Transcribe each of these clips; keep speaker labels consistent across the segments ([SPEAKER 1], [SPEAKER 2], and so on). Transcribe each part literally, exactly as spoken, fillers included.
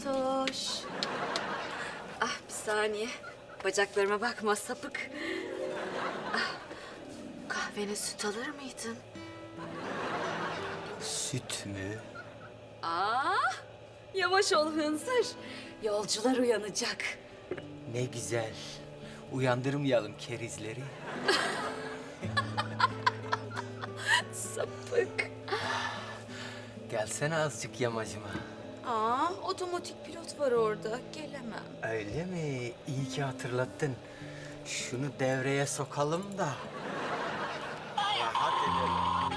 [SPEAKER 1] Fatoş. Ah bir saniye. Bacaklarıma bakma sapık. Ah, kahvene süt alır mıydın?
[SPEAKER 2] Süt mü?
[SPEAKER 1] Aa, yavaş ol hınzır. Yolcular uyanacak.
[SPEAKER 2] Ne güzel. Uyandırmayalım kerizleri.
[SPEAKER 1] Sapık.
[SPEAKER 2] Gelsene azıcık yamacıma.
[SPEAKER 1] Aa, otomatik pilot var orada. Gelemem.
[SPEAKER 2] Öyle mi? İyi ki hatırlattın. Şunu devreye sokalım da. Rahat edelim.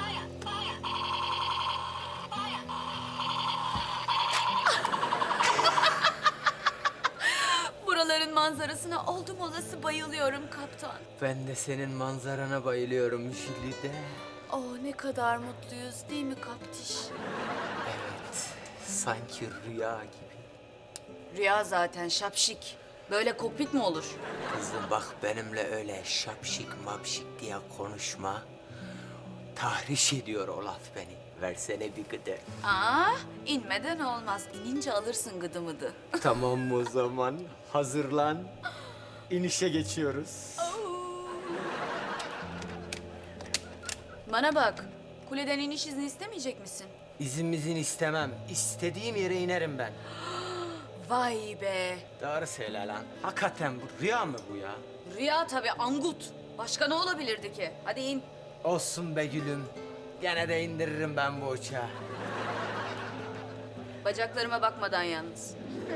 [SPEAKER 1] Buraların manzarasına oldum olası bayılıyorum kaptan.
[SPEAKER 2] Ben de senin manzarana bayılıyorum Jülide.
[SPEAKER 1] Oh ne kadar mutluyuz değil mi kaptiş?
[SPEAKER 2] Evet, sanki rüya gibi.
[SPEAKER 1] Rüya zaten şapşik. Böyle kokpit mi olur?
[SPEAKER 2] Kızım bak benimle öyle şapşik mapşik diye konuşma. Tahriş ediyor o laf beni. Versene bir gıdı.
[SPEAKER 1] Aa, inmeden olmaz. İnince alırsın gıdı mıdı.
[SPEAKER 2] Tamam o zaman. Hazırlan. İnişe geçiyoruz.
[SPEAKER 1] Bana bak, kuleden iniş izni istemeyecek misin?
[SPEAKER 2] İzin istemem. İstediğim yere inerim ben.
[SPEAKER 1] Vay be.
[SPEAKER 2] Doğru söyle lan. Hakikaten bu rüya mı bu ya?
[SPEAKER 1] Rüya tabii angut. Başka ne olabilirdi ki? Hadi in.
[SPEAKER 2] Olsun be gülüm. Gene de indiririm ben bu uçağı.
[SPEAKER 1] Bacaklarıma bakmadan yalnız.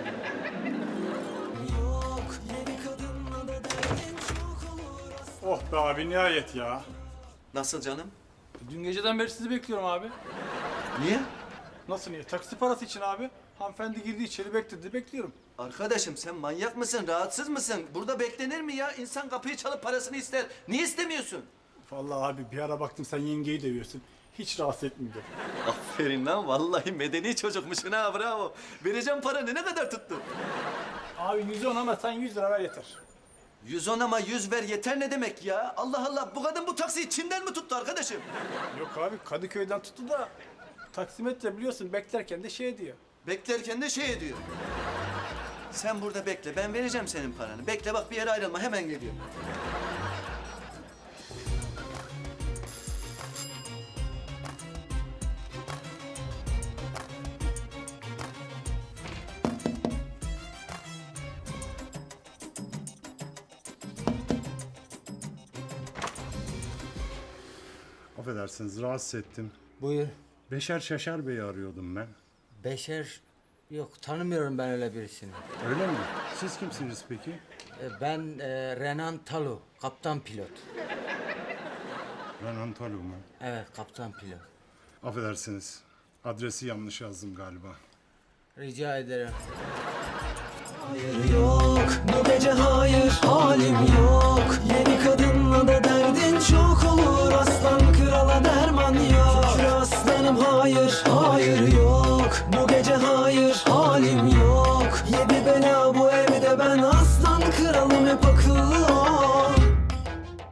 [SPEAKER 3] Oh be abi nihayet ya.
[SPEAKER 4] Nasıl canım?
[SPEAKER 3] Dün geceden beri sizi bekliyorum abi.
[SPEAKER 4] Niye?
[SPEAKER 3] Nasıl niye? Taksi parası için abi. Hanımefendi girdi içeri bekledi bekliyorum.
[SPEAKER 4] Arkadaşım sen manyak mısın? Rahatsız mısın? Burada beklenir mi ya? İnsan kapıyı çalıp parasını ister. Niye istemiyorsun?
[SPEAKER 3] Vallahi abi bir ara baktım sen yengeyi dövüyorsun. Hiç rahatsız etmeyecek.
[SPEAKER 4] Aferin lan. Vallahi medeni çocukmuşsun ha. Bravo. Vereceğim paranı. Ne kadar tuttu?
[SPEAKER 3] Abi yüz on ama sen yüz lira ver yeter.
[SPEAKER 4] Yüz on ama yüz ver yeter ne demek ya? Allah Allah. Bu kadın bu taksiyi Çin'den mi tuttu arkadaşım?
[SPEAKER 3] Yok abi Kadıköy'den tuttu da taksimetre biliyorsun beklerken de şey diyor.
[SPEAKER 4] Beklerken de şey ediyor. Sen burada bekle. Ben vereceğim senin paranı. Bekle bak bir yere ayrılma. Hemen geliyorum.
[SPEAKER 5] Affedersiniz, rahatsız ettim.
[SPEAKER 2] Buyur.
[SPEAKER 5] Beşer Şaşar Bey'i arıyordum ben.
[SPEAKER 2] Beşer... Yok tanımıyorum ben öyle birisini.
[SPEAKER 5] Öyle mi? Siz kimsiniz peki?
[SPEAKER 2] Ee, Ben e, Renan Talu, kaptan pilot.
[SPEAKER 5] Renan Talu mu?
[SPEAKER 2] Evet, kaptan pilot.
[SPEAKER 5] Affedersiniz, adresi yanlış yazdım galiba.
[SPEAKER 2] Rica ederim.
[SPEAKER 6] Yok bu gece hayır halim yok. Yeni kadınla da derdin çok olur. Aslan krala derman yok. Şükür aslanım hayır hayır yok.